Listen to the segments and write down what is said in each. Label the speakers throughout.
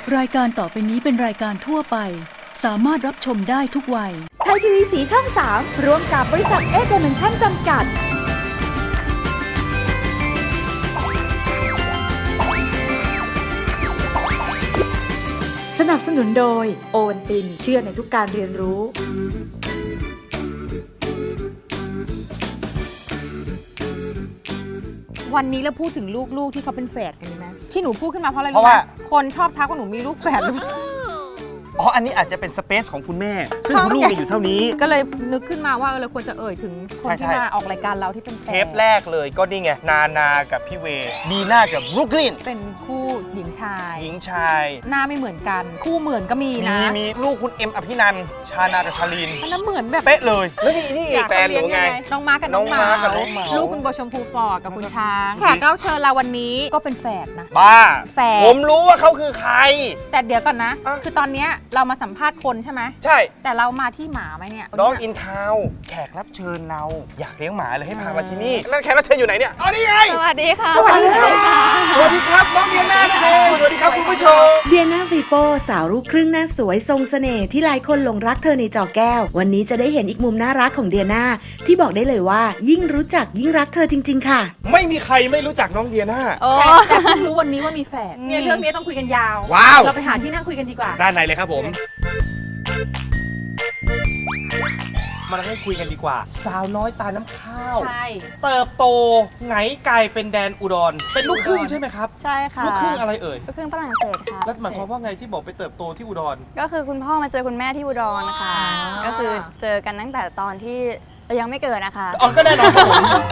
Speaker 1: รายการต่อไปนี้เป็นรายการทั่วไปสามารถรับชมได้ทุกวัย
Speaker 2: ไทยทีวีสีช่อง 3ร่วมกับบริษัทเอเดเมนชั่นจำกัดสนับสนุนโดยโอวัลตินเชื่อในทุกการเรียนรู้
Speaker 3: วันนี้เราพูดถึงลูกๆที่เขาเป็นแฝดกันดีไหมที่หนูพูดขึ้นมาเพราะอะไร
Speaker 4: เพราะว่า
Speaker 3: คนชอบทักว่าหนูมีลูกแฝดหรือเปล่า
Speaker 4: อ๋อ อันนี้อาจจะเป็นสเปซของคุณแม่ ซึ่งคุณลูกมีอยู่เท่านี้
Speaker 3: ก็เลยนึกขึ้นมาว่าเราควรจะเอ่ยถึงคนที่
Speaker 4: ใช่
Speaker 3: มาออกรายการเราที่เป็นแฝ
Speaker 4: เท
Speaker 3: ด
Speaker 4: ปแรกเลยก็นี่ไง นานากับพี่เวบีน่ากับบรุกลิน
Speaker 3: เป็นคู่หญิงชาย
Speaker 4: หญิงชาย
Speaker 3: หน้าไม่เหมือนกัน คู่เหมือนก็มีนะ
Speaker 4: มีลูกคุณเอ็มอภินันท์ชานากับชาลีน
Speaker 3: อันนั้นเหมือนแบบ
Speaker 4: เป๊ะเลย แล้วนี่อีกแฟนหนูไง
Speaker 3: น้องมาร์คกับน้องเห
Speaker 4: น้องมาร์คกับน้องเหมา
Speaker 3: ลูกคุณโบชมพูฟอร์ดกับคุณช้างแขกรับเชิญเราวันนี้ก็เป็นแฝดนะ
Speaker 4: บ้า
Speaker 3: แฝด
Speaker 4: ผมรู้ว่าเขาคือใคร
Speaker 3: แต่เดี๋ยวก่อนนะ
Speaker 4: อ่ะ
Speaker 3: คือตอนเนี้ยเรามาสัมภาษณ์คนใช่ไหม
Speaker 4: ใช่
Speaker 3: แต่เรามาที่หมาไหมเนี่ย
Speaker 4: น้องอินทาวน์แขกรับเชิญเรา อยากเลี้ยงหมาเลยให้พามาที่นี่ แล้วแขกรับเชิญอยู่ไหนเนี่ย อ๋อ นี่ไง
Speaker 3: สวัสดีค่ะ
Speaker 4: สวัสดีครับ สวัสดีครับ น้องเดียน่านั่นเอง สวัสดีครับคุณผู้ชม
Speaker 5: เดียนาฟีโปสาวลูกครึ่งหน้าสวยทรงเสน่ห์ที่หลายคนหลงรักเธอในจอแก้ว วันนี้จะได้เห็นอีกมุมน่ารักของเดียนาที่บอกได้เลยว่ายิ่งรู้จักยิ่งรักเธอจริงๆค่ะ
Speaker 4: ไม่มีใครไม่รู้จักน้องเดียน่า
Speaker 3: แต่เพิ่งรู้วันนี้ว่ามีแฝดเนี่ยเรื่องนี้ต้องคุยกันยาว
Speaker 4: ว้าว
Speaker 3: เราไปหาที่นั่งคุยกันดีกว่า
Speaker 4: ด้านในเลยครับผม มาให้คุยกันดีกว่า สาวน้อยตาน้ำข้าว
Speaker 3: ใช่
Speaker 4: เติบโตไงไกลเป็นแดนอุดร เป็นลูกครึ่งใช่ไหมครับ
Speaker 6: ใช่ค่ะ
Speaker 4: ลูกครึ่งอะไรเอ่ย
Speaker 6: ลูกครึ่งฝรั่งเศสค่ะ
Speaker 4: แล้วหมายความว่าไงที่บอกไปเติบโตที่อุดร
Speaker 6: ก็คือคุณพ่อมาเจอคุณแม่ที่อุดรค่ะ
Speaker 3: อ๋อ
Speaker 6: ก็คือเจอกันตั้งแต่ตอนที่เรายังไม่เกิดนะคะ
Speaker 4: อ๋อ ก็แน่นอนครับผม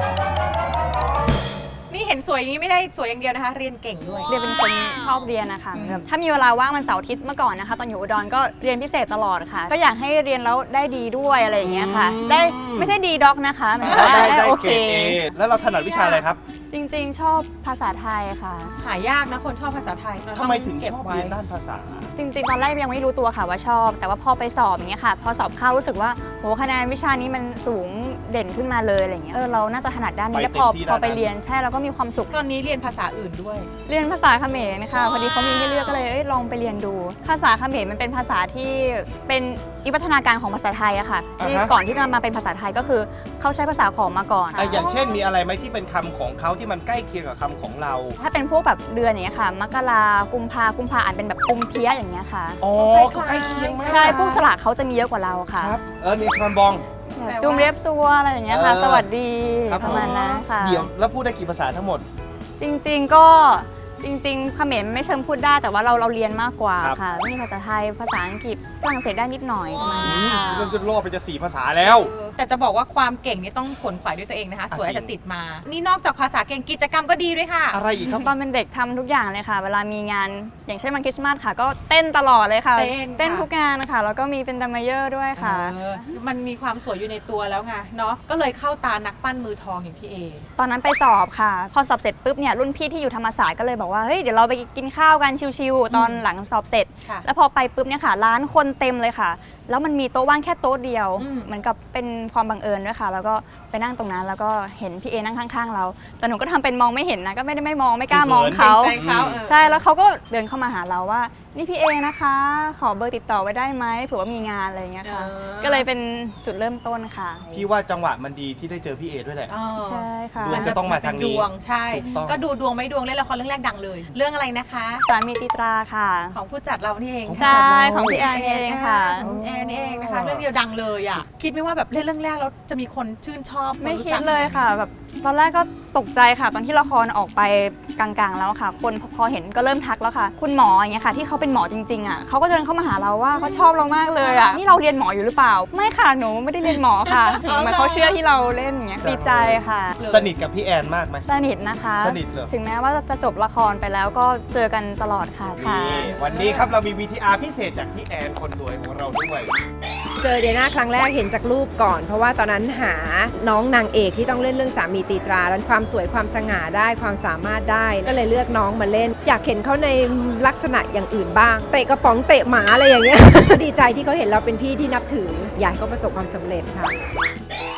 Speaker 3: นี่เห็นสวยอย่างนี้ไม่ได้สวยอย่างเดียวนะคะ เรียนเก่งด้วย
Speaker 6: เรียนเป็นคนชอบเรียนนะคะแบบถ้ามีเวลาว่างวันเสาร์อาทิตย์เมื่อก่อนนะคะ ตอนอยู่อุดรก็เรียนพิเศษตลอดค่ะ ก็อยากให้เรียนแล้วได้ดีด้วยอะไรอย่างเงี้ยค่ะ ได้ไม่ใช่ดีด็อกนะคะหมายถึงว่าได้โอเค
Speaker 4: แล้วเราถนัดวิชาอะไรครับ
Speaker 6: จริงๆ ชอบภาษาไทยค่ะ
Speaker 3: หายากนะคนชอบภาษาไทยเรา
Speaker 4: ทำไมถึง
Speaker 3: เก็บ
Speaker 4: ชอบ
Speaker 3: ไว้
Speaker 4: เรียนด้านภาษา
Speaker 6: จริงๆ ตอนแรกยังไม่รู้ตัวค่ะว่าชอบ แต่ว่าพอไปสอบอย่างเงี้ยค่ะ พอสอบเข้ารู้สึกว่าโหคะแนนวิชานี้มันสูงเด่นขึ้นมาเลยอะไรเงี้ยเราน่าจะถนัดด้านนี้
Speaker 4: ไป
Speaker 6: แล้ว
Speaker 4: เต็มที่ด้านนั้น
Speaker 6: พอไปเรียนใช่แล้วก็มีความสุข
Speaker 3: ตอนนี้เรียนภาษาอื่นด้วย
Speaker 6: เรียนภาษาเขมรค่ะพอดีเขามีให้เลือกก็เลยลองไปเรียนดู ภาษาเขมรมันเป็นภาษาที่เป็นวิวัฒนาการของภาษาไทยอะค่ะที่ก่อนที่จะมาเป็นภาษาไทยก็คือเขาใช้ภาษาขอมมาก่อน
Speaker 4: อย่างเช่นมีอะไรไหมที่เป็นคำของเขาที่มันใกล้เคียงกับคำของเรา
Speaker 6: ถ้าเป็นพวกแบบเดือนอย่างเงี้ยค่ะมกรากุมภาอ่านเป็นแบบกุมเพียอย่างเงี้ยค่ะ
Speaker 4: อ๋อ ก็ใกล้เคียงมาก
Speaker 6: ใช่พวกสระเขาจะมีเยอะกว่าเราค่ะ
Speaker 4: ครับ นี่ครันบอง
Speaker 6: แบบจุมเรียบซัวอะไรอย่างเงี้ยค่ะ สวัสดี
Speaker 4: ครับ
Speaker 6: ประมาณนั้นค่ะ
Speaker 4: เดี๋ยวแล้วพูดได้กี่ภาษาทั้งหมด
Speaker 6: จริงๆก็จริงๆเขมรไม่เชิงพูดได้แต่ว่าเราเรียนมากกว่า
Speaker 4: ครับ
Speaker 6: ค่ะมีภาษาไทยภาษาอังกฤษฝรั่งเศสได้นิดหน่อยประมาณนี้ค่ะ
Speaker 4: เรื่องจะล่อไปจะ4 ภาษาแล้ว
Speaker 3: แต่จะบอกว่าความเก่งนี่ต้องขนขวายด้วยตัวเองนะคะ สวยอาจจะติดมา นี่นอกจากภาษาเก่งกิจกรรมก็ดีด้วยค่ะ
Speaker 4: อะไรอีกครับ
Speaker 6: ตอนเป็นเด็กทำทุกอย่างเลยค่ะ เวลามีงานอย่างเช่นวันคริสต์มาสค่ะ ก็เต้นตลอดเลยค่ะ
Speaker 3: เต้นค่ะ
Speaker 6: ทุกงานนะคะแล้วก็มีเป็นดัมเมเยอร์ด้วยค่ะ
Speaker 3: มันมีความสวยอยู่ในตัวแล้วไงเนาะก็เลยเข้าตานักปั้นมือทองอย่างพี่เอ
Speaker 6: ตอนนั้นไปสอบค่ะ พอสอบเสร็จปุ๊บเนี่ยรุ่นพี่ที่อยู่ธรรมศาสตร์ก็เลยบอกว่าเฮ้ยเดี๋ยวเราไปกินข้าวกันชิวๆตอนหลังสอบเสร็จ
Speaker 3: ค่ะ
Speaker 6: แล้วพอไปปุ๊บเนี่ยค่ะร้านคนเต็มเลยค่ะ แล้วมันมีโต๊ะว่างแค่โต๊ะเดียว
Speaker 3: อืม
Speaker 6: เหมือนกับเป็นความบังเอิญด้วยค่ะ แล้วก็ไปนั่งตรงนั้นแล้วก็เห็นพี่เอนั่งข้างๆเรา แต่หนูก็ทำเป็นมองไม่เห็นนะก็ไม่มองไม่กล้ามองเขา
Speaker 3: ใจเขาเออ
Speaker 6: ใช่แล้วเขาก็เดินเข้ามาหาเราว่านี่พี่เอนะคะ ขอเบอร์ติดต่อไว้ได้ไหมเผื่อว่ามีงานอะไรอย่างเงี้ยค่ะ ก็เลยเป็นจุดเริ่มต้นค่ะ
Speaker 4: พี่ว่าจังหวะมันดีที่ได้เจอพี่เอด้วยแหละ
Speaker 6: ใช่ค่ะ
Speaker 4: ดวงจะต้องมาทางนี้
Speaker 3: ดวงใช่
Speaker 4: ถูกต้อง
Speaker 3: ก็ดูดวงไม่ดวงเล่นละครเรื่องแรกดังเลย เรื่องอะไรนะคะ
Speaker 6: สามีติตราค่ะ
Speaker 3: ของผู้จัดเรานี่เอง
Speaker 6: ใช่ของพี่แอนเองค่ะ
Speaker 3: ของแอนนี่เองนะคะเรื่องเดียวดังเลยอ่ะคิดไหมว่าแบบเล่นเรื่องแรกแล้วจะมีคนชื่นชอบ
Speaker 6: ไม่
Speaker 3: นรู้
Speaker 6: คิ
Speaker 3: จั
Speaker 6: ด
Speaker 3: ก
Speaker 6: เลยค่ะแบบตอนแรกก็ตกใจค่ะ ตอนที่ละครออกไปกลางๆแล้วค่ะ คนพอเห็นก็เริ่มทักแล้วค่ะ คุณหมออย่างเงี้ยค่ะ ที่เขาเป็นหมอจริงๆอ่ะเขาก็เดินเข้ามาหาเราว่าเขาชอบเรามากเลยอ่ะนี่เราเรียนหมออยู่หรือเปล่า ไม่ค่ะหนูไม่ได้เรียนหมอค่ะเหมือนเขาเชื่อที่เราเล่นอย่างเงี้ยดีใจค่ะ
Speaker 4: สนิทกับพี่แอนมากไหม
Speaker 6: สนิทนะคะ
Speaker 4: สนิทเหรอ
Speaker 6: ถึงแม้ว่าจะจบละครไปแล้วก็เจอกันตลอดค่ะ
Speaker 4: นี่วันนี้ครับเรามี VTR พิเศษจากพี่แอนคนสวยของเราด้วย
Speaker 7: เจอเดียน่าครั้งแรกเห็นจากรูปก่อน เพราะว่าตอนนั้นหาน้องนางเอกที่ต้องเล่นเรื่องสามีตีตราแล้วความสวยความสง่าได้ความสามารถได้ก็เลยเลือกน้องมาเล่น อยากเห็นเขาในลักษณะอย่างอื่นบ้างเตะกระป๋องเตะหมาอะไรอย่างเงี้ย ดีใจที่เขาเห็นเราเป็นพี่ที่นับถืออยากให้เขาประสบความสำเร็จค่ะ
Speaker 4: น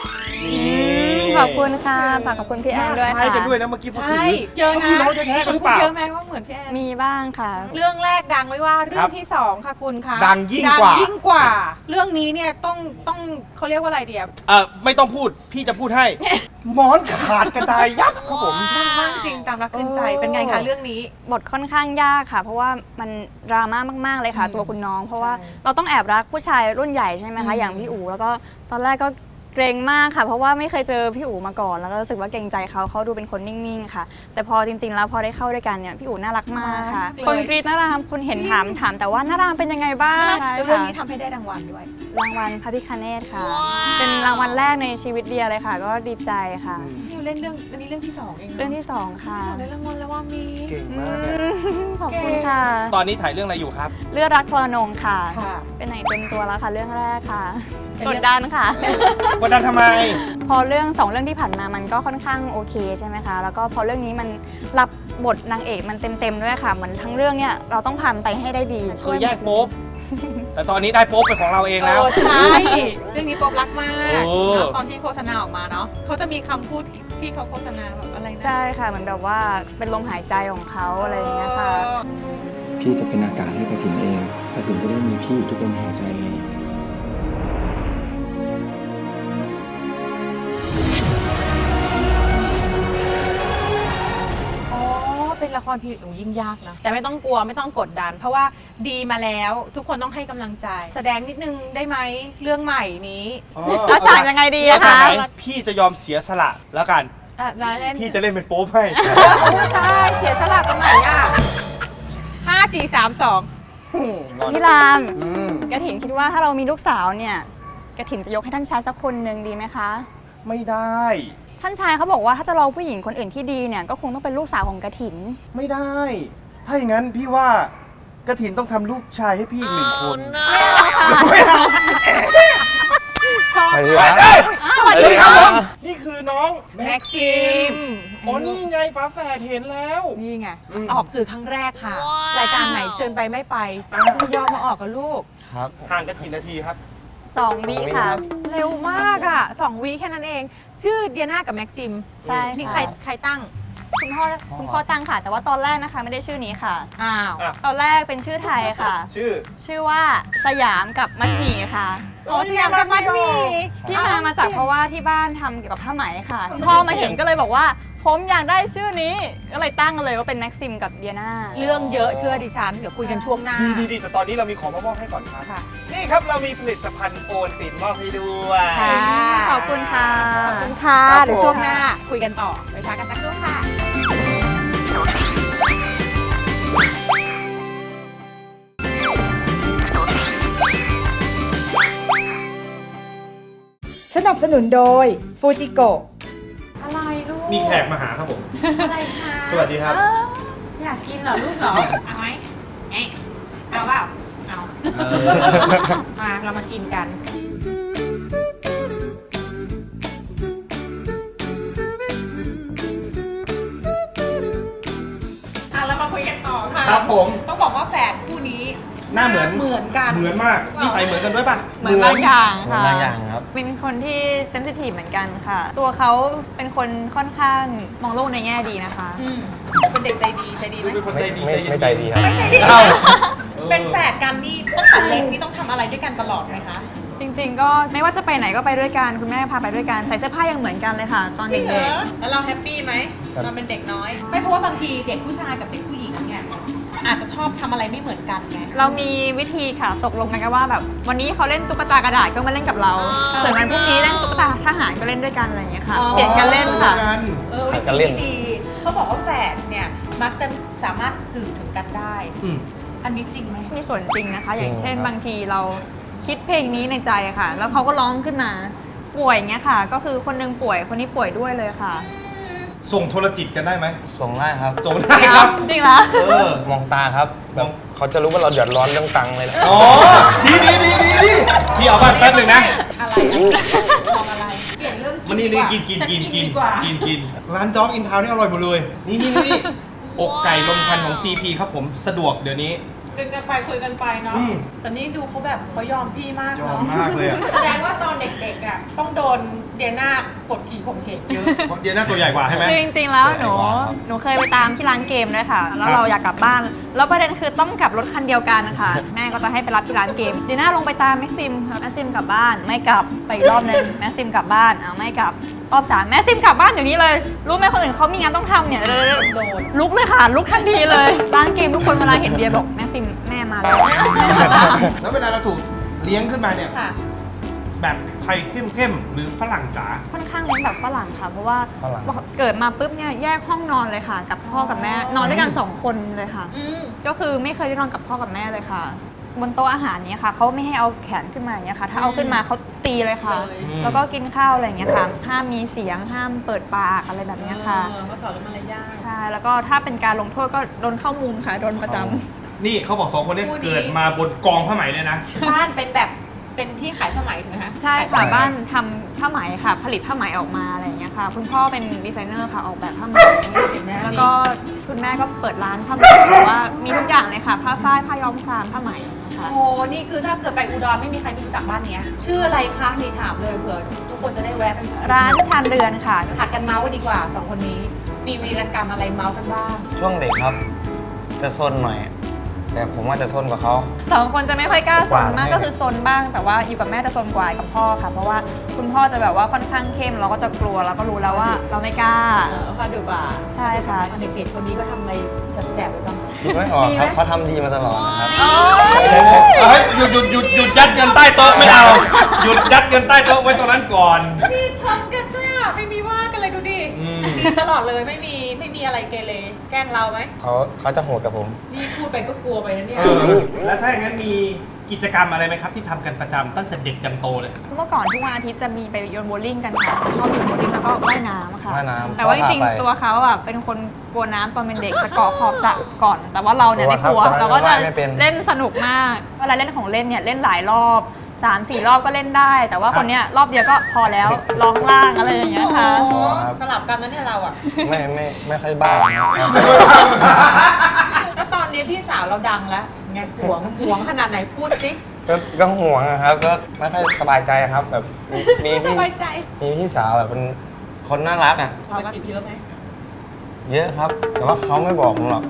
Speaker 6: ขอบคุณค่ะฝากขอบคุณพี่แอนด้วย
Speaker 4: คล้าย
Speaker 6: ค่ะ
Speaker 4: กันด้วยนะเมื่อกี้พูดถึง
Speaker 3: ใช่เยอะนะ
Speaker 4: พี่น้องแท้ๆกันหรือเปล่า
Speaker 3: เยอะไหมว่าเหมือนพี่แอน
Speaker 6: มีบ้างค่ะ
Speaker 3: เรื่องแรกดังไม่ว่าเรื่อ
Speaker 4: ครั
Speaker 3: ง
Speaker 4: บ
Speaker 3: ที่สองค่ะคุณคะ
Speaker 4: ดังยิ่งกว่า
Speaker 3: ดัยิ่งกว่า เรื่องนี้เนี่ยต้องเขาเรียกว่าอะไรเดียบ
Speaker 4: ไม่ต้องพูดพี่จะพูดให้ หมอนขาดกระจายยับครับผม
Speaker 3: ดังมากจริงตามรักขึ้นใจเป็นไงคะเรื่องนี้
Speaker 6: บทค่อนข้างยากค่ะ เพราะว่ามันดราม่ามากๆเลยค่ะ
Speaker 3: อืม
Speaker 6: ตัวคุณน้อง เพราะว่า
Speaker 3: ใช่
Speaker 6: เราต้องแอบรักผู้ชายรุ่นใหญ่ใช่ไหมคะ
Speaker 3: อืม
Speaker 6: อย่างพี่อู๋แล้วก็ตอนแรกก็เกรงมากค่ะ เพราะว่าไม่เคยเจอพี่อู๋มาก่อน แล้วก็รู้สึกว่าเกรงใจเขาดูเป็นคนนิ่งๆค่ะ แต่พอจริงๆแล้วพอได้เข้าด้วยกันเนี่ยพี่อู๋น่ารักมากค่ะ คนกรีดน่ารามคุณเห็นถามแต่ว่าน่ารามเป็นยังไงบ้าง
Speaker 3: แล้วเรื่องนี้ทำให้ได้รางวัลด้วย
Speaker 6: รางวัลพระพิคเนตค่ะ เป็นรางวัลแรกในชีวิตเดียเลยค่ะ ก็ดีใจค่ะ
Speaker 3: พี่เล่นเรื่องอันนี้เรื่องที่สองเองนะ
Speaker 6: เรื่องที่สองค่ะ
Speaker 3: สองได้รางวัลแล้วว่ามี
Speaker 4: เก่งมากเลย
Speaker 6: ขอบคุณค่ะ
Speaker 4: ตอนนี้ถ่ายเรื่องอะไรอยู่ครับ
Speaker 6: เลือดรักทรนงค่ะ
Speaker 3: ค่ะ
Speaker 6: เป็นไหนเต็มตัวแล้วค่ะ เรื่องแรกค่ะ
Speaker 3: เป็น
Speaker 6: ก
Speaker 3: เรื่
Speaker 6: ด
Speaker 3: อง
Speaker 6: ดันค่ะ
Speaker 4: กดดันทำไม
Speaker 6: พอเรื่อง2เรื่องที่ผ่านมามันก็ค่อนข้างโอเคใช่ไหมคะ แล้วก็พอเรื่องนี้มันรับบทนางเอกมันเต็มๆด้วยค่ะเหมือนทั้งเรื่องเนี่ยเราต้องผ่านไปให้ได้ดี
Speaker 4: เคยแยกโป๊บแต่ตอนนี้ได้โป๊บเป็นของเราเองแล้ว
Speaker 3: ใช่เรื่องนี้ป๊อบรักมาก
Speaker 4: โอ้
Speaker 3: เนอะตอนที่โฆษณาออกมาเนาะเขาจะมีคำพูดที่เขาโฆษณาแบบอะไรนะ
Speaker 6: ใช่ค่ะเหมือนแบบว่าเป็นลมหายใจของเขาอะไรอย่างเงี้ยค่ะ
Speaker 8: พี่จะเป็นอากาศให้กระถินเองกระถินจะได้มีพี่อยู่ทุกลมหายใจไง
Speaker 3: อ๋อเป็นละครพีเรียดยิ่งยากนะแต่ไม่ต้องกลัวไม่ต้องกดดัน เพราะว่าดีมาแล้วทุกคนต้องให้กำลังใจ แสดงนิดนึงได้ไหมเรื่องใหม่นี้
Speaker 6: แล้วฉากยังไงดี
Speaker 4: แล้ว
Speaker 6: อะ
Speaker 4: ฉาก
Speaker 6: คะ
Speaker 4: ไหนพี่จะยอมเสียสละแล้วกัน
Speaker 3: แล้วเล่น
Speaker 4: พี่จะเล่นเป็นโป๊บให้
Speaker 3: ได้เสียสละตรงไหนอ่ะ5 4 3 2
Speaker 6: พี่ราม
Speaker 4: อืม
Speaker 6: กระถินคิดว่าถ้าเรามีลูกสาวเนี่ยกระถินจะยกให้ท่านชายสักคนหนึ่งดีไหมคะ
Speaker 4: ไม่ได้
Speaker 6: ท่านชายเขาบอกว่าถ้าจะรอผู้หญิงคนอื่นที่ดีเนี่ยก็คงต้องเป็นลูกสาวของกระถิน
Speaker 4: ไม่ได้ ถ้าอย่างนั้นพี่ว่ากระถินต้องทำลูกชายให้พี่อีกหนึ่งคน ไม่เอา
Speaker 8: สวัสดีครับ
Speaker 4: สวัสดีครับผม นี่คือน้องแม็
Speaker 3: แม็
Speaker 4: ก
Speaker 3: กซิม
Speaker 4: อ๋อนี่ไงฟ้าแฝดเห็นแล้ว
Speaker 3: นี่ไง
Speaker 4: อืม
Speaker 3: ออกสื่อครั้งแรกค่ะ รายการไหนเชิญไปไม่ไปไม่ยอมมาออกกับลูก
Speaker 8: ครับ
Speaker 4: ห่างกันกี่นาทีครับ
Speaker 6: 2 วิค่ะ
Speaker 3: เร็วมากอ่ะ2 วีแค่นั้นเอง ชื่อเดียนากับแม็กซิม
Speaker 6: ใช่
Speaker 3: นี่
Speaker 6: ค่ะ
Speaker 3: ใครตั้ง
Speaker 6: คุณพ่อตั้งค่ะ แต่ว่าตอนแรกนะคะไม่ได้ชื่อนี้ค่ะ
Speaker 3: อ้าว
Speaker 4: อ่ะ
Speaker 6: ตอนแรกเป็นชื่อไทยค่ะ
Speaker 4: ชื่อ
Speaker 6: ว่าสยามกับมัดหมี่ค่ะ
Speaker 3: โอ้สยามกับมัดหมี่
Speaker 6: ที่มาจากเพราะว่าที่บ้านทำเกี่ยวกับผ้าไหมค่ะคุณพ่อมาเห็นก็เลยบอกว่า ผมอยากได้ชื่อนี้ ก็เลยตั้งเลยว่าเป็นแม็กซิมกับเดียนา
Speaker 3: เรื่องเยอะเชื่อดิฉัน เดี๋ยวคุยกันช่วงหน้า
Speaker 4: ดีแต่ตอนนี้เรามีของมามอบให้ก่อนครับ
Speaker 3: ค่ะ
Speaker 4: นี่ครับเรามีผลิตภัณฑ์โอนตินมอบให้ด้วย
Speaker 3: ค่ะ
Speaker 6: ขอบคุณค่ะ
Speaker 3: ขอบคุณค่ะ
Speaker 4: ครับ
Speaker 3: เดี๋ยวช่วงหน้าคุยกันต่อ ไปพักกันสักครู่ค่ะ
Speaker 2: สนับสนุนโดยฟูจิโกะ
Speaker 3: อะไรลูก
Speaker 4: มีแขกมาหาครับผม
Speaker 3: อะไรคะ
Speaker 4: สวัสดีครับ
Speaker 3: อยากกินเหรอลูกเหรอ เอาไหมเอ๊ะเอาเปล่า เอา มาเรามากินกัน เรามาคุยกันต่อค่ะ
Speaker 4: ครับผม
Speaker 3: ต้องบอกว่าแฝดคู่นี้
Speaker 4: หน้าเหมือน
Speaker 3: เหมือนกัน
Speaker 4: เหมือนมากนี่ใส่เหมือนกันด้วยป่ะ
Speaker 6: เหมือนบางอย่างค่ะ
Speaker 8: บางอย่างครับ
Speaker 6: เป็นคนที่เซนซิทีฟเหมือนกันค่ะ ตัวเขาเป็นคนค่อนข้างมองโลกในแง่ดีนะคะ
Speaker 3: อืมเป็นเด็กใจดีใจดีไหม
Speaker 4: เป็นคนใจดี
Speaker 8: ไม่ใจดีครับ
Speaker 4: เอ้า
Speaker 3: เป็นแฝดกันนี่ตั้งแต่เล็กนี่ต้องทำอะไรด้วยกันตลอดไหมคะ
Speaker 6: จริงๆ ก็ไม่ว่าจะไปไหนก็ไปด้วยกันคุณแม่พาไปด้วยกันใส่เสื้อผ้ายังเหมือนกันเลยค่ะ ตอน
Speaker 3: จริงเหร
Speaker 6: เด็
Speaker 3: อก แล้วเราแฮปปี้ไหมตอนเป็นเด็กน้อย ไม่เพราะว่าบางทีเด็กผู้ชายกับเด็กผู้หญิงเนี่ยอาจจะชอบทำอะไรไม่เหมือนกันไง
Speaker 6: ๆเรามีวิธีค่ะตกลงกันว่าแบบวันนี้เขาเล่นตุ๊กตากระดาษก็มาเล่นกับเรา ส่วนวันพรุ่งนี้เล่นตุ๊กตาทหารก็เล่นด้วยกันอะไรอย่างเงี้ยค่ะ
Speaker 3: อ๋อ
Speaker 6: เปลี่ยนกันเล่นค่ะ
Speaker 3: วิ
Speaker 8: กันเล่
Speaker 3: ธี
Speaker 8: น
Speaker 3: ที่ดีเขาบอกว่าแฝดเนี่ยมักจะสามารถสื่อถึงกันได้
Speaker 4: อืม
Speaker 3: อันนี้จริงไหม
Speaker 6: มีส่วนจริงนะคะ อย่างเช่น
Speaker 8: จริงครับ
Speaker 6: บางทีเราคิดเพลงนี้ในใจค่ะ แล้วเขาก็ร้องขึ้นมาป่วยอย่างเงี้ยค่ะ ก็คือคนหนึงป่วยคนนี้ป่วยด้วยเลยค่ะ
Speaker 4: ส่งโทรจิตกันได้ไหม
Speaker 8: ส่งได้ครับ
Speaker 4: ส่งได้ครับ
Speaker 6: จริงเหรอ
Speaker 8: มองตาครับ แบบเขาจะรู้ว่าเราเดือดร้อนเรื่องตังค์เลยนะ
Speaker 4: อ๋อ ดีพี่เอาบ้านแป๊บหนึ่งนะ
Speaker 3: อะไรมองอะไรเปลี่ยนเรื่อง
Speaker 4: มันนี่
Speaker 3: ดีกว่า
Speaker 4: กิน
Speaker 3: ฉัดีกว่า
Speaker 4: ร้านด็อกอินทาวนี่อร่อยหมดเลย นี่อกไก่ลมควันของ CP ครับผมสะดวกเดี๋ยวนี้
Speaker 3: กันไปคุยกันไปเนาะ
Speaker 4: อืม
Speaker 3: แต่นี่ดูเขาแบบเขายอมพี่มาก
Speaker 4: ยอม
Speaker 3: เนาะ
Speaker 4: มากเลยอะ
Speaker 3: แสดงว่าตอนเด็กๆอ่ะต้องโดนเดียน่ากดขี่ข่มเหงเยอะ
Speaker 4: เพราะเดียน่าตัวใหญ่กว่าใช่ไหม
Speaker 6: คือจริงๆแล้วหนู
Speaker 4: ใหญ่กว่าครับ
Speaker 6: หนูเคยไปตามที่ร้านเกมด้วยค่ะ แล้ว
Speaker 4: ครับ
Speaker 6: เราอยากกลับบ้าน แล้วประเด็นคือต้องกลับรถคันเดียวกันค่ะ แม่ก็จะให้ไปรับที่ร้านเกมเดียน่าลงไปตามแม็กซิมค่ะแม็กซิมกลับบ้านไม่กลับไปอีกรอบนึงแม็กซิมกลับบ้านไม่กลับรอบ3แม็กซิมกลับบ้านอยู่นี้เลยรู้ไหมคนอื่นเขามีงานต้องทำเนี่ยโดนลุกเลยค่ะลุกทันทีเลยร้านเกมทุกคนเวลาเห็นเบียร์บอกแม็กซิมแม่มาแล้ว
Speaker 4: แล้วเวลาเราถูกเลี้ยงขึ้นมาเนี่ย
Speaker 3: ค่ะ
Speaker 4: แบบไทยเข้มๆหรือฝรั่งจ๋า
Speaker 6: ค่อนข้างเลี้ยงแบบฝรั่งค่ะ เพราะว่า
Speaker 4: ฝรั่ง
Speaker 6: เกิดมาปุ๊บเนี่ยแยกห้องนอนเลยค่ะ กับพ่อกับแม่นอนด้วยกัน2 คนเลยค่ะ
Speaker 3: อืม
Speaker 6: ก็คือไม่เคยได้นอนกับพ่อกับแม่เลยค่ะ บนโต๊ะอาหารเนี้ยค่ะเขาไม่ให้เอาแขนขึ้นมาอย่างเงี้ยค่ะ ถ้าเอาขึ้นมาเขาตีเลยค่ะ
Speaker 3: เลย
Speaker 6: แล้วก็กินข้าวอะไรอย่างเงี้ยค่ะ ห้ามมีเสียงห้ามเปิดปากอะไรแบบเนี้ยค่ะ
Speaker 3: ก็สอนเรื่องมารยาท
Speaker 6: ใช่แล้วก็ถ้าเป็นการลงโทษก็โดนเข้ามุมค่ะโดนประจำ
Speaker 4: นี่เขาบอกสองคนนี้
Speaker 3: คู่นี้
Speaker 4: เกิดมาบนกองผ้าไหมเลยนะ
Speaker 3: บ้านเป็นแบบเป็นที่ขายผ้าไหมถูกไหมคะ
Speaker 6: ใช่ค่ะบ้านทำผ้าไหมค่ะ ผลิตผ้าไหมออกมาอะไรอย่างเงี้ยค่ะ คุณพ่อเป็นดีไซเนอร์ค่ะออกแบบผ้าไหม
Speaker 3: เห็นไหม
Speaker 6: แล้วก็คุณแม่ก็เปิดร้านผ้าไหมแต่ว่ามีทุกอย่างเลยค่ะ ผ้าฝ้ายผ้าย้อมครามผ้าไหมนะคะ
Speaker 3: โอ้นี่คือถ้าเกิดไปอุดรไม่มีใครไม่รู้จักบ้านเนี้ย ชื่ออะไรคะนี่ถามเลยเผื่อทุกคนจะได้แวะไป
Speaker 6: ร้านชานเรือนค่ะ
Speaker 3: ผัดกันเมาส์ดีกว่าสองคนนี้ มีวีรกรรมอะไรเมาส์กันบ้าง
Speaker 9: ช่วงเด็กครับ จะซนหน่อย แต่ผมว่าจะซนกว่าเขา
Speaker 6: 2 คนจะไม่ค่อยกล้าซนมาก
Speaker 9: กว่า
Speaker 6: ก็คือซนบ้าง แต่ว่าอยู่กับแม่จะซนกว่ากับพ่อค่ะ เพราะว่าคุณพ่อจะแบบว่าค่อนข้างเข้มเราก็จะกลัวเราก็รู้แล้วว่าเราไม่กล้า
Speaker 3: พาดูกว่า
Speaker 6: ใช่ค่ะ
Speaker 3: เด็กๆคนนี้ก็ทำอะไรแสบๆไปบ้างคะ
Speaker 9: คิดไม่ออกครับเขาทำดีมาตลอดนะครับ
Speaker 4: เฮ้ยหยุดยัดเงินใต้โต๊ะไม่เอา หยุดยัดเงินใต้โต๊ะไว้ตรงนั้นก่อน
Speaker 3: มีชนกันด้วยอ่ะไม่มีว่ากันเลยดูดิ
Speaker 4: อืม
Speaker 3: ดีตลอดเลยไม่มีอะไรเกเรแกล้งเราไหม
Speaker 9: เขาจะโหดกับผม
Speaker 3: นี่พูดไปก็กลัวไปนะเนี่ย
Speaker 4: แล้วถ้าอย่างนั้นมีกิจกรรมอะไรไหมครับที่ทำกันประจำตั้งแต่เด็กจนโตเลย
Speaker 6: เมื่อก่อนทุกวันอาทิตย์จะมีไปโยนโบว์ลิ่งกันค่ะจะชอบโยนโบว์ลิ่งแล้วก็ว่ายน้ำค่ะ
Speaker 9: ว่ายน้ำ
Speaker 6: แต่ว่าจริง
Speaker 9: พ่อพาไป
Speaker 6: ๆตัวเขาอ่ะเป็นคนกลัวน้ำตอนเป็นเด็กจะเกาะขอบสระก่อน แต่ว่าเราเนี่ยไม่กลัว
Speaker 9: กลัวครับ
Speaker 6: เราก็จะ
Speaker 9: ว่ายไม่เป็น
Speaker 6: เล่นสนุกมากเวลาเล่นของเล่นเนี่ยเล่นหลายรอบ 3-4 รอบก็เล่นได้ แต่ว่าคนเนี้ยรอบเดียวก็พอแล้วรอข้างล่างอะไรอย่างเงี้ยค่ะ
Speaker 3: โอ้สลับกันนั่นเนี่ยเราอ่ะ
Speaker 9: ไม่ค่อยบ้าครับ
Speaker 3: แล้วตอนนี้พี่สาวเราดังแล้วไงหวงขนาดไหนพูดสิ
Speaker 9: ก็ห่วงนะครับ ก็ไม่ค่อยสบายใจครับ แบบมี
Speaker 3: ไม่ส
Speaker 9: พี่
Speaker 3: บายใจ
Speaker 9: มีพี่สาวแบบเป็นคนน่ารักอ่ะ
Speaker 3: เราจีบเยอะไหม
Speaker 9: เยอะครับ แต่ว่าเขาไม่บอกผมหรอก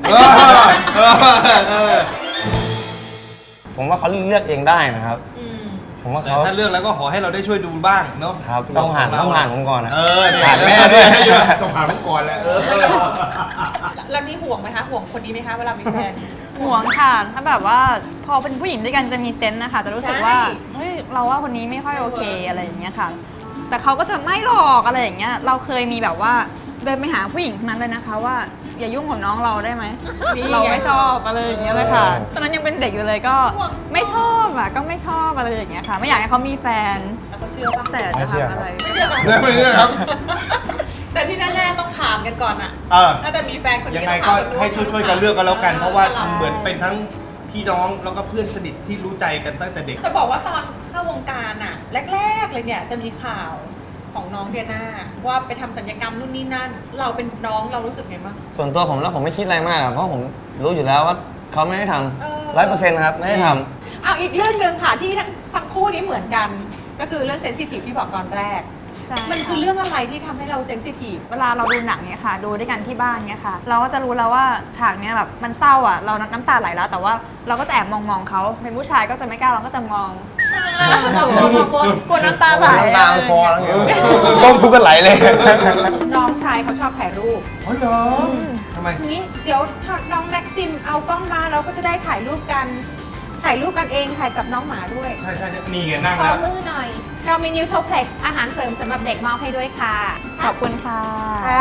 Speaker 9: ผมว่าเขาเลือกเองได้นะครับ
Speaker 3: อืม
Speaker 9: ผมว่า
Speaker 4: แต่
Speaker 9: เขา
Speaker 4: ถ้าเลือกแล้วก็ขอให้เราได้ช่วยดูบ้างเนาะ
Speaker 9: ครับต้องผ่านผมก่อนนะ
Speaker 4: เนี่ย
Speaker 9: ผ่านแม่ด้วย
Speaker 4: ต้องผ่านผมก่อนแหละ
Speaker 3: แล้วนี่ห่วงไหมคะห่วงคนนี้ไหมคะเวลามีแฟน
Speaker 6: ห่วงค่ะ ถ้าแบบว่าพอเป็นผู้หญิงด้วยกันจะมีเซนส์นะคะ จะรู้สึกว่า
Speaker 3: ใช่
Speaker 6: เฮ้ยเราว่าคนนี้ไม่ค่อยโอเคอะไรอย่างเงี้ยค่ะ แต่เขาก็จะไม่หลอกอะไรอย่างเงี้ย เราเคยมีแบบว่าเดินไปหาผู้หญิงคนนั้นเลยนะคะว่าอย่ายุ่งกับน้องเราได้ไหม เราไม่ชอบอะไรอย่างเงี้ยเลยค่ะ ตอนนั้นยังเป็นเด็กอยู่เลยก็ไม่ชอบอ่ะก็ไม่ชอบอะไรอย่างเงี้ยค่ะ ไม่อยากให้เขามีแฟน
Speaker 3: แล้วเขาเชื่อปะ
Speaker 6: แต่จะทำอะไร
Speaker 3: ไม่เชื่อกัน
Speaker 4: ไม่เชื่อครับ
Speaker 3: แต่ที่แน่ๆต้องถามกันก่อนอะ
Speaker 4: เออ
Speaker 3: ถ้าจะมีแฟนคนนี้
Speaker 4: ยังไง
Speaker 3: ต้
Speaker 4: ก็
Speaker 3: ถาม
Speaker 4: ให้ช่วยกันเลือกกันแล้วกัน เพราะว่า
Speaker 3: ตลด
Speaker 4: เหมือนเป็นทั้งพี่น้องแล้วก็เพื่อนสนิทที่รู้ใจกันตั้งแต่เด็ก
Speaker 3: จะบอกว่าตอนเข้าวงการอะแรกๆเลยเนี่ยจะมีข่าวของน้องเดียน่าว่าไปทำศัลยกรรมนู่นนี่นั่น เราเป็นน้องเรารู้สึกไงบ้าง
Speaker 9: ส่วนตัวผมแล้วผมไม่คิดอะไรมากอะเพราะผมรู้อยู่แล้วว่าเขาไม่ได้ท
Speaker 3: เออ
Speaker 9: ำ100%ครับ ไม่ได้ทำ
Speaker 3: เอาอีกเรื่องหนึ่งค่ะที่ทั้งคู่นี้เหมือนกัน ก็คือเรื่องเซนซิทีฟที่บอกตอนแรก
Speaker 6: ใช่
Speaker 3: มันคือเรื่องอะไรที่ทำให้เราเซนซิทีฟ
Speaker 6: เวลาเราดูหนังเนี่ยค่ะ ดูด้วยกันที่บ้านเนี่ยค่ะ เราก็จะรู้แล้วว่าฉากเนี้ยแบบมันเศร้าอ่ะ เราน้ำตาไหลแล้ว แต่ว่าเราก็จะแอบมองเขาเป็นผู้ชายก็จะไม่กล้าเราก็จะมองกลัวน้ำตาไหล
Speaker 9: น้ำตามันคอแล้วไงก้มปุ๊บก็ไหลเลย
Speaker 3: น้องชายเขาชอบถ่ายรูป
Speaker 4: อ๋อเหรอทำไม
Speaker 3: นี้เดี๋ยวถ้าน้องแม็กซิมเอากล้องมาเราก็จะได้ถ่ายรูปกันเองถ่ายกับน้องหมาด้วย
Speaker 4: ใช่ใช่นี่ไงนั่ง
Speaker 3: ขอ
Speaker 4: แล้ว
Speaker 3: มือหน่อย เรามีนิวโทเพล็กซ์อาหารเสริมสำหรับเด็กมอบให้ด้วยค่ะ
Speaker 6: ขอบคุณค่ะ
Speaker 3: ค่ะ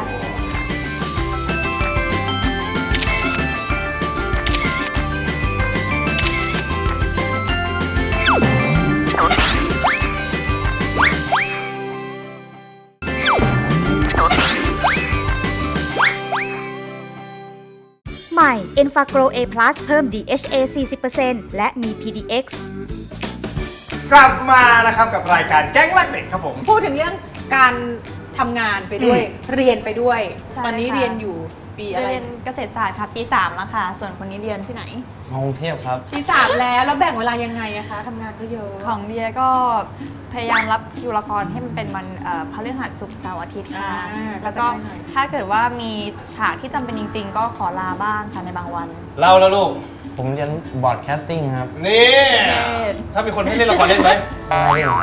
Speaker 2: ใหม่ e n f a g r o w A+ เพิ่ม DHA 40% และมี PDX
Speaker 4: กลับมานะครับกับรายการแก๊งรักเด็กครับผม
Speaker 3: พูดถึงเรื่องการทำงานไปด้วย เรียนไปด้วย
Speaker 6: ใช่
Speaker 3: ตอนนี้
Speaker 6: ค่ะ
Speaker 3: เรียนอยู่ปีอะไร
Speaker 6: เรียนเกษตรศาสตร์ค่ะปี 3 แล้วค่ะ ส่วนคนนี้เรียนที่ไหน
Speaker 9: มากรุงเทพครับ
Speaker 3: ปี3แล้วแบ่งเวลายังไงอะคะทำงานก็เยอะ
Speaker 6: ของเดียก็พยายามรับคิวละครให้มันเป็นวันพฤหัสศุกร์เสาร์อาทิตย์ค่ะ แล้วก็ถ้าเกิดว่ามีฉากที่จำเป็นจริง ๆ ก็ขอลาบ้างค่ะในบางวัน
Speaker 4: เล่าแล้วลูก
Speaker 9: ผมเรียนบอร์ดแคสติ้งครับ
Speaker 4: นี่ ถ้ามีคนให้เล่นละครเล่นไหม
Speaker 9: ไม่ได้หรอก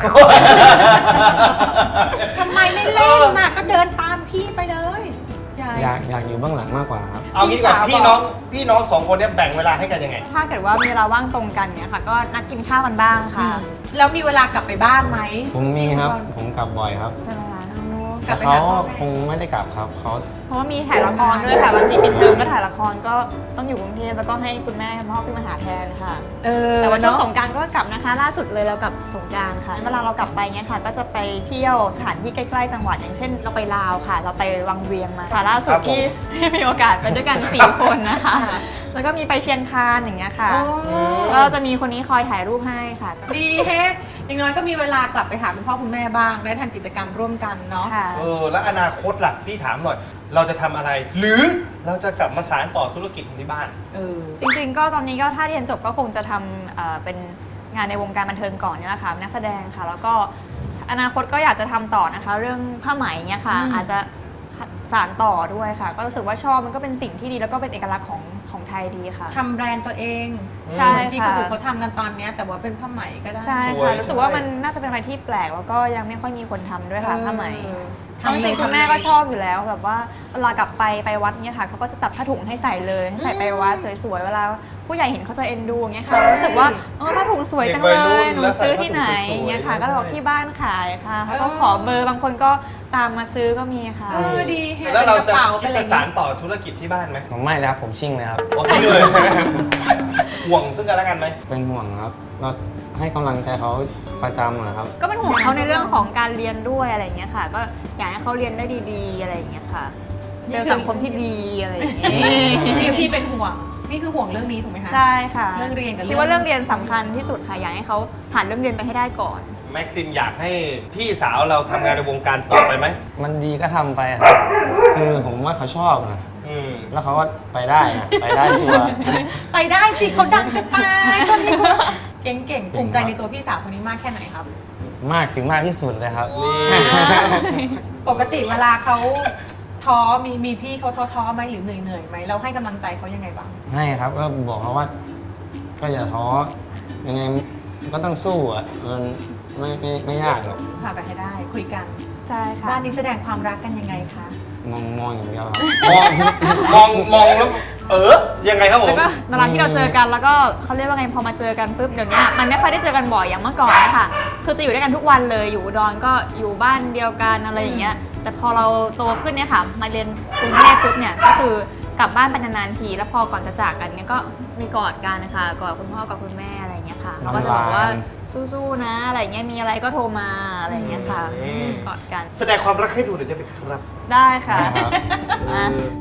Speaker 3: ทำไมไม่เล่นน่ะก็เดินตามพี่ไปเลยยาย
Speaker 9: อยากอยู่เบื้องหลังมากกว่าครับ
Speaker 4: เอางี้ดีกว่าพี่น้องสองคนเนี้ยแบ่งเวลาให้กันยังไง
Speaker 6: ถ้าเกิดว่ามีเวลาว่างตรงกันเนี่ยค่ะก็นัดกินข้าวกันบ้างค่ะ
Speaker 3: แล้วมีเวลากลับไปบ้านไหม
Speaker 9: ผมมีครับ ผมกลับบ่อยครับ
Speaker 6: ใช่ไหมคะ
Speaker 3: กลั
Speaker 9: แต่
Speaker 3: บไป
Speaker 9: เขา
Speaker 3: หาพ่อแม่
Speaker 9: คงไม่ได้กลับครับเขา
Speaker 6: เพราะว่ามีถ่ายละครด้วยค่ะบางทีปิดเทอมก็ถ่ายละครก็ต้องอยู่กรุงเทพแล้วก็ให้คุณแม่พ่อขึ้นมาหาแทนค่ะ แต่ว่าช่วงสงกรานต์ก็กลับนะคะ ล่าสุดเลยเรากลับสงกรานต์ค่ะเวลาเรากลับไปเงี้ยค่ะก็จะไปเที่ยวสถานที่ใกล้ๆจังหวัดอย่างเช่น เราไปลาวค่ะ เราไปวังเวียงมาค่ะล่าสุด
Speaker 4: ครับผม
Speaker 6: ที่มีโอกาสไปด้วยกัน 4 คนนะคะ แล้วก็มีไปเชียงคานอย่างเงี้ยค่ะ ก็จะมีคนนี้คอยถ่ายรูปให้ค่ะ
Speaker 3: ดีเฮะอย่างน้อยก็มีเวลากลับไปหาคุณพ่อคุณแม่บ้างได้ทำกิจกรรมร่วมกันเนาะ
Speaker 6: ค่ะ
Speaker 4: แล้วอนาคตล่ะพี่ถามหน่อย เราจะทำอะไร หรือเราจะกลับมาสานต่อธุรกิจที่บ้าน
Speaker 6: จริงๆ ก็ตอนนี้ก็ถ้าเรียนจบก็คงจะทำเป็นงานในวงการบันเทิงก่อนนี่แหละค่ะนักแสดงค่ะ แล้วก็อนาคตก็อยากจะทำต่อนะคะ เรื่องผ้าไหมเนี่ยค่ะ อาจจะสานต่อด้วยค่ะ ก็รู้สึกว่าชอบมันก็เป็นสิ่งที่ดีแล้วก็เป็นเอกลักษณ์ของไทยดีค่ะ
Speaker 3: ทำแบรนด์ตัวเอง
Speaker 6: ใช่
Speaker 3: ที่คนอื่นเขาทำกันตอนเนี้ยแต่ว่าเป็นผ้าไหมก็ได้
Speaker 6: ใช่
Speaker 4: สวย
Speaker 6: ค่ะรู้สึกว่ามันน่าจะเป็นอะไรที่แปลกแล้วก็ยังไม่ค่อยมีคนทำด้วยค่ะผ้าไหม
Speaker 3: ทำ
Speaker 6: จริงๆคุณแม่ก็ชอบอยู่แล้วแบบว่าเวลากลับไปวัดเนี่ยค่ะเขาก็จะตัดผ้าถุงให้ใส่เลยให้ใส่ไปวัดสวยๆเวลาผู้ใหญ่เห็นเขาจะเอ็นดูอย่างเงี้ยค่ะรู้สึกว่าผ้าถุงสวยจังเลยหนูซื้อที่ไหนอย่างเงี้ยค่ะก็บอกที่บ้านขายค่ะเขาก็ขอเบอร์บางคนก็ตามมาซื้อก็มีค่ะ
Speaker 3: ดีเฮะ
Speaker 4: แล้วเราจะ
Speaker 3: ป็นกป๋
Speaker 4: คิด
Speaker 3: เป็นอ
Speaker 4: จะ
Speaker 3: ไร
Speaker 4: สานต่อธุรกิจที่บ้านไหม
Speaker 9: ผมไม่นะครับผมชิ่งเลยครับ
Speaker 4: โอเคเลย ห่วงซึ่งกันและกันไหม
Speaker 9: เป็นห่วงครับก็ให้กำลังใจเขาประจำนะครับ
Speaker 6: ก็เป็นห่วงเขาในเรื่องของการเรียนด้วยอะไรอย่างเงี้ยค่ะ ก็อยากให้เขาเรียนได้ดีๆอะไรอย่างเงี้ยค่ะเจอสังคมที่ดีอะไรอย่างเงี้ย
Speaker 3: พี่เป็นห่วงนี่คือห่วงเรื่องนี้ถูกไหมคะ
Speaker 6: ใช่ค่ะ
Speaker 3: เรื่องเรียนกับ
Speaker 6: คิดว่าเรื่องเรียนสำคัญที่สุดค่ะอยากให้เขาผ่านเรื่องเรียนไปให้ได้ก่อน
Speaker 4: แม็กซิมอยากให้พี่สาวเราทำงานในวงการต่อไปไหม
Speaker 9: มันดีก็ทำไปครับคือผมว่าเขาชอบนะ แล้วเขาก็ไปได้นะไปได้ชัวร์
Speaker 3: ไปได้สิเขาดังจะตายคนนี้เก่งๆภูมิใจในตัวพี่สาวคนนี้มากแค่ไหนครับ
Speaker 9: มากถึงมากที่สุดเลยครับ
Speaker 3: ปกติเวลาเขาท้อมีพี่เขาท้อไหมหรือเหนื่อยไหมเราให้กำลังใจเขายังไงบ้าง
Speaker 9: ให้ครับก็บอกเขาว่า ก็อย่าท้อยังไงก็ต้องสู้อ่ะมันไม่ยากหรอก
Speaker 3: ผ่านไปให้ได้คุยกัน
Speaker 6: ใช่ค่ะ
Speaker 3: บ้านนี้แสดงความรักกันยังไงคะ
Speaker 9: มองอย่างเดียวครับ
Speaker 4: มองแล้วยังไงครับผ
Speaker 6: แล้
Speaker 4: ม
Speaker 6: วก็เวลาที่เราเจอกันแล้วก็เขาเรียกว่าไงพอมาเจอกันปุ๊บเดี๋ยวนี้มันไม่ค่อยได้เจอกันบ่อยอย่างเมื่อก่อนนะคะคือจะอยู่ด้วยกันทุกวันเลยอยู่อุดรก็อยู่บ้านเดียวกันอะไรอย่างเงี้ยแต่พอเราโตขึ้นเนี่ยค่ะมาเรียนกรุงเทพปุ๊บเนี่ยก็คือกลับบ้านไปนานๆทีแล้วพอก่อนจะจากกันเนี่ยก็มีกอดกันนะคะกอดคุณพ่อกับคุณแม่อะไรอย่างเงี้ยค่ะเราก็จะบอกว่าสู้ๆนะอะไรอย่างเงี้ยมีอะไรก็โทรมาอะไรอย่างเงี้ยค่ะกอดกัน
Speaker 4: แสดงความรักให้ดูหน่อยได้ไหมครับ
Speaker 6: ได้ค่ะ
Speaker 9: ครับ
Speaker 6: มา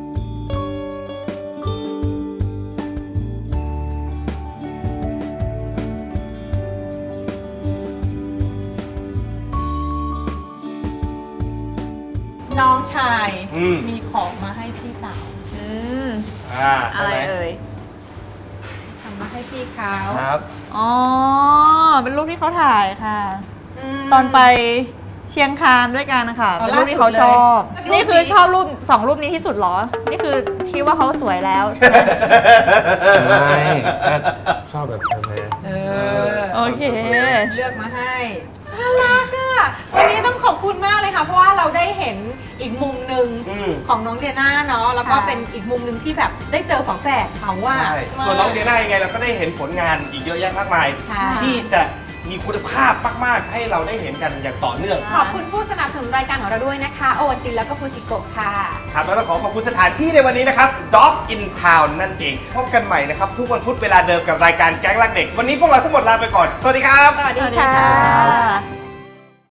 Speaker 3: น้องชาย
Speaker 4: มี
Speaker 3: ของมาให้พี่สาว
Speaker 6: อะไรเอ่ย
Speaker 3: ทำมาให้พี่เขา
Speaker 4: ครับ
Speaker 6: อ๋อ เป็นรูปที่เขาถ่ายค่ะ ตอนไปเชียงคานด้วยกันนะคะ เป็นรูปที่เขาชอบ นี่คือชอบรูป2รูปนี้ที่สุดเหรอ นี่คือคิดว่าเขาสวยแล้วใช่ไหม
Speaker 9: ไม่ก็ชอบแบบเธอ
Speaker 6: โอเค
Speaker 3: เลือกมาให้น่ารักอ่ะวันนี้ต้องขอบคุณมากเลยค่ะ เพราะว่าเราได้เห็นอีกมุมหนึ่งของน้องเดียน่าเนาะแล้วก็
Speaker 6: ค่ะ
Speaker 3: เป็นอีกมุมหนึ่งที่แบบได้เจอฝาแฝดเขาว่า
Speaker 4: ใช่ส่วนน้องเดียน่ายังไงเราก็ได้เห็นผลงานอีกเยอะแยะมากมาย
Speaker 3: ใช่
Speaker 4: ที่จะมีคุณภาพมากๆให้เราได้เห็นกันอย่างต่อเนื่อง
Speaker 3: ขอบคุณผู้สนับสนุนรายการของเราด้วยนะคะโอวัลตินแล้วก็ฟูจิโกะค่ะ
Speaker 4: ครับแล้วต้องขอบคุณสถานที่ในวันนี้นะครับ Dog in Town นั่นเอง พบกันใหม่นะครับ ทุกวันพุธเวลาเดิมกับรายการแก๊งรักเด็ก วันนี้พวกเราทั้งหมดลาไปก่อน สวัสดีครับ
Speaker 3: สวัสดี
Speaker 6: สวัสดี
Speaker 3: ค่ะ
Speaker 6: ค่ะ